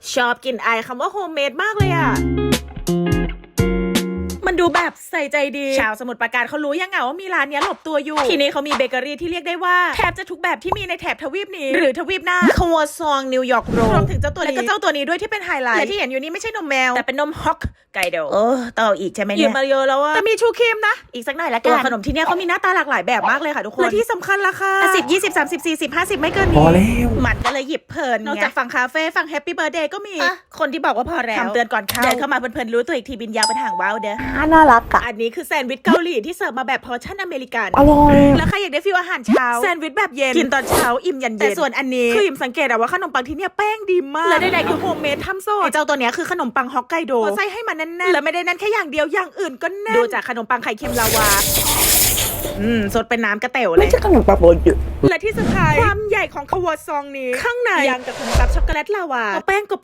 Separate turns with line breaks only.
ชอบกลิ่นอายคำว่าโฮมเมดมากเลยอ่ะมันดูแบบใส่ใจดีชาวสมุทรปราการเขารู้ยังไงว่ามีร้านนี้หลบตัวอยู่ทีนี้เขามีเบเกอรี่ที่เรียกได้ว่าแทบจะทุกแบบที่มีในแถบทวีปนี้หรือทวีปหน้าครัวซองนิวยอร์กโรรวมถึงเจ้าตัวนี้และก็เจ้าตัวนี้ด้วยที่เป็นไฮไลท์และที่เห็นอยู่นี้ไม่ใช่นมแมวแต่เป็นนมฮอกไกโดต่ออีกใช่ไหมเนี่ยยืมมาเยอะแล้วอะแต่มีชูครีมนะอีกสักหน่อยละกันขนมที่เนี่ยเขามีหน้าตาหลากหลายแบบมากเลยค่ะทุกคนและที่สำคัญราคา10 20 30 40 50ไม่เกินนี้
พอแล้ว
มันก็เลยหยิบเพลินนอกจากฝั่งคาเฟ่ฝั่งแฮปปี้เบิร์ดเดย์ก็มีคนที่บอกว่าพอแล้วคำเตือนก่อนเข้าเดินเข้ามาเพลินๆรู้ตัวอีกทีบินยาวไปทางว้าวเด้อ
น่ารักอะ
อันนี้คือแซนด์วิชเกาหลีที่เสิร์ฟมาแบบพอร์ชั่นอเมริกัน
อร่อย
แล้วใครอยากได้ฟีลอาหารเช้าแซนด์วิชแบบเย็นกินตอนเช้าอิ่มยันเย็นแต่ส่วนอันนี้คืออิ่มสังเกตว่าขนมปังที่เนี่ยแป้งดีมากและใดๆคือโฮมเมดทำสดไอ้เจ้าตัวเนี้ยคือขนมปังฮอกไกโดใส่ให้มันแน่นๆแล้วไม่ได้แน่นแค่อย่างเดียวอย่างอื่นก็แน่นดูจากขนมปังไข่เค็มลาวาสดเป็นน้ำกระเต๋วเล
ไม่
ย
ใช่ขนมปังโบยุ
และที่สำคัญความใหญ่ของคาวาซองนี้ข้างในยังกับขนมปังช็อกโกแลตลาวาเอาแป้ง